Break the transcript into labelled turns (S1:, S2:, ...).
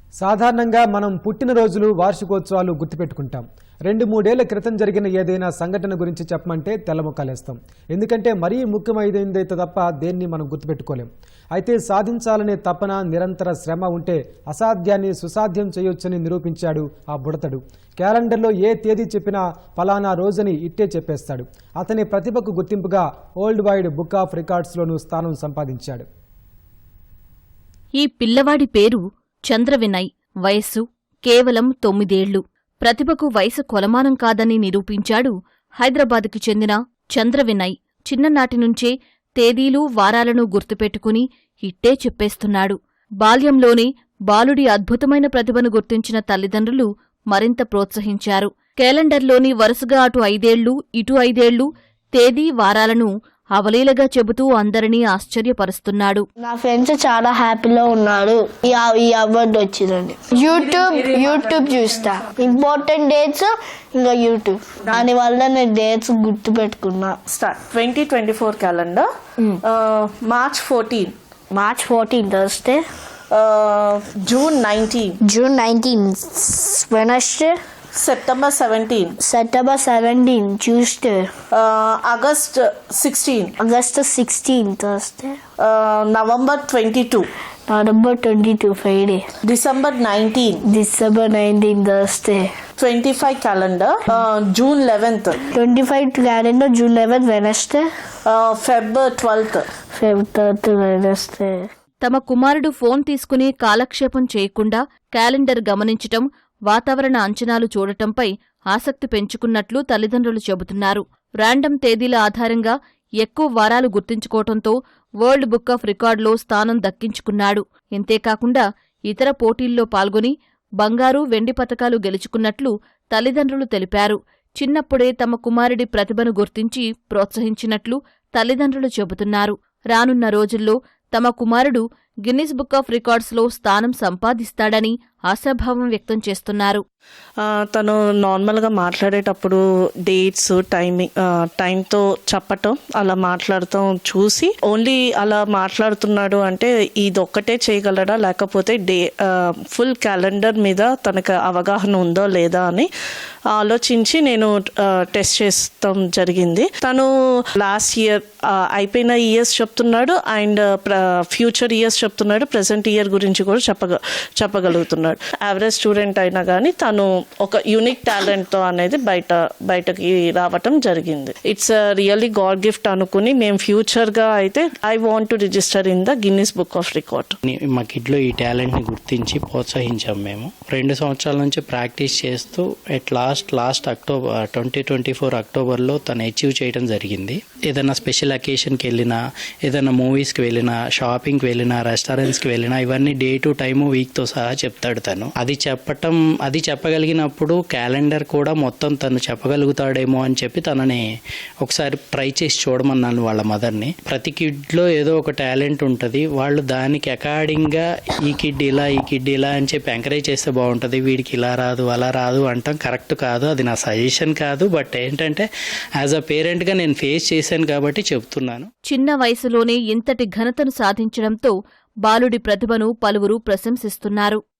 S1: సాధారణంగా మనం పుట్టినరోజులు వార్షికోత్సవాలు గుర్తుపెట్టుకుంటాం. 2-3 ఏళ్ల క్రితం జరిగిన ఏదైనా సంఘటన గురించి చెప్పమంటే తెల్లముఖాలేస్తాం. ఎందుకంటే మరీ ముఖ్యమైనదైతే తప్ప దేన్ని మనం గుర్తుపెట్టుకోలేం. అయితే సాధించాలనే తపన, నిరంతర శ్రమ ఉంటే అసాధ్యాన్ని సుసాధ్యం చేయొచ్చని నిరూపించాడు ఆ బుడతడు. క్యాలెండర్లో ఏ తేదీ చెప్పినా ఫలానా రోజుని ఇట్టే చెప్పేస్తాడు. అతని ప్రతిభకు గుర్తింపుగా వరల్డ్ వైడ్ బుక్ ఆఫ్ రికార్డ్స్లోనూ స్థానం సంపాదించాడు.
S2: ఈ పిల్లవాడి పేరు చంద్రవినయ్. వయస్సు కేవలం 9 ఏళ్లు. ప్రతిభకు వయసు కొలమానం కాదని నిరూపించాడు హైదరాబాదుకి చెందిన చంద్రవినయ్. చిన్ననాటినుంచే తేదీలు, వారాలను గుర్తుపెట్టుకుని ఇట్టే చెప్పేస్తున్నాడు. బాల్యంలోనే బాలుడి అద్భుతమైన ప్రతిభను గుర్తించిన తల్లిదండ్రులు మరింత ప్రోత్సహించారు. క్యాలెండర్లోని వరుసగా అటు 5 ఏళ్లు, ఇటు 5 ఏళ్లు తేదీ, వారాలను అవలీలగా చెబుతూ అందరినీ ఆశ్చర్యపరుస్తున్నాడు.
S3: నా ఫ్రెండ్స్ చాలా హ్యాపీలో ఉన్నారు. ఈ అవార్డు వచ్చిందండి. యూట్యూబ్ చూస్తా, ఇంపార్టెంట్ డేట్స్ ఇంకా యూట్యూబ్. దానివల్ల నేను డేట్స్ గుర్తు పెట్టుకున్నా.
S4: 2024 calendar March 14
S3: Thursday,
S4: June 19
S3: Wednesday,
S4: September 17
S3: Tuesday,
S4: August 16
S3: Thursday,
S4: November 22
S3: Friday,
S4: December 19
S3: Thursday,
S4: 25 calendar June 11th
S3: 25 calendar June 11 Wednesday,
S4: Feb 12th
S3: Wednesday.
S2: తమ కుమారుడు ఫోన్ తీసుకుని కాలక్షేపం చేయకుండా క్యాలెండర్ గమనించటం, వాతావరణ అంచనాలు చూడటంపై ఆసక్తి పెంచుకున్నట్లు తల్లిదండ్రులు చెబుతున్నారు. ర్యాండమ్ తేదీల ఆధారంగా ఎక్కువ వారాలు గుర్తించుకోవటంతో వరల్డ్ బుక్ ఆఫ్ రికార్డులో స్థానం దక్కించుకున్నాడు. ఇంతేకాకుండా ఇతర పోటీల్లో పాల్గొని బంగారు, వెండి పతకాలు గెలుచుకున్నట్లు తల్లిదండ్రులు తెలిపారు. చిన్నప్పుడే తమ కుమారుడి ప్రతిభను గుర్తించి ప్రోత్సహించినట్లు తల్లిదండ్రులు చెబుతున్నారు. రానున్న రోజుల్లో తమ కుమారుడు గిన్నిస్ బుక్ ఆఫ్ రికార్డ్స్లో స్థానం సంపాదిస్తాడని ఆశాభావం వ్యక్తం చేస్తున్నారు.
S4: తను నార్మల్గా మాట్లాడేటప్పుడు డేట్స్, టైంతో చెప్పటం, అలా మాట్లాడటం చూసి ఓన్లీ అలా మాట్లాడుతున్నాడు అంటే ఇదొక్కటే చేయగలడా, లేకపోతే ఫుల్ క్యాలెండర్ మీద తనకు అవగాహన ఉందో లేదా అని ఆలోచించి నేను టెస్ట్ చేస్తాం జరిగింది. తను లాస్ట్ ఇయర్ అయిపోయిన ఇయర్స్ చెప్తున్నాడు అండ్ ఫ్యూచర్ ఇయర్స్ చెప్తున్నాడు, ప్రెసెంట్ ఇయర్ గురించి కూడా చెప్పగలుగుతున్నాడు. యావరేజ్ స్టూడెంట్ అయినా కానీ తను ఒక యూనిక్ టాలెంట్తో అనేది బయటకి రావటం జరిగింది. ఇట్స్ రియల్లీ గాడ్ గిఫ్ట్ అనుకుని మేము ఫ్యూచర్గా అయితే I want to register in the Guinness book of record.
S5: మా కిడ్లో ఈ టాలెంట్ని గుర్తించి ప్రోత్సహించాం. మేము 2 సంవత్సరాల నుంచి ప్రాక్టీస్ చేస్తూ ఎట్ లాస్ట్ అక్టోబర్ 2024 అక్టోబర్లో తను అచీవ్ చేయడం జరిగింది. ఏదైనా స్పెషల్ అకేషన్కి వెళ్ళినా, ఏదైనా మూవీస్కి వెళ్ళినా, షాపింగ్కి వెళ్ళినా, రెస్టారెంట్స్కి వెళ్ళినా ఇవన్నీ డే టు టైము, వీక్తో సహా చెప్తాడు తను. అది చెప్పగలిగినప్పుడు క్యాలెండర్ కూడా మొత్తం తను చెప్పగలుగుతాడేమో అని చెప్పి తనని ఒకసారి ట్రై చేసి చూడమన్నాను వాళ్ళ మదర్ని. ప్రతి కిడ్లో ఏదో ఒక టాలెంట్ ఉంటుంది. వాళ్ళు దానికి అకార్డింగ్గా ఈ కిడ్ ఇలా అని చెప్పి ఎంకరేజ్ చేస్తే బాగుంటుంది. వీడికి ఇలా రాదు, అలా రాదు అంటాం కరెక్ట్ కాదు. అది నా సజెషన్ కాదు. బట్ ఏంటంటే యాజ్ అ పేరెంట్గా నేను ఫేస్ చేశాను కాబట్టి చెప్తున్నాను.
S2: చిన్న వయసులోనే ఇంతటి ఘనతను సాధించడంతో బాలుడి ప్రతిభను పలువురు ప్రశంసిస్తున్నారు.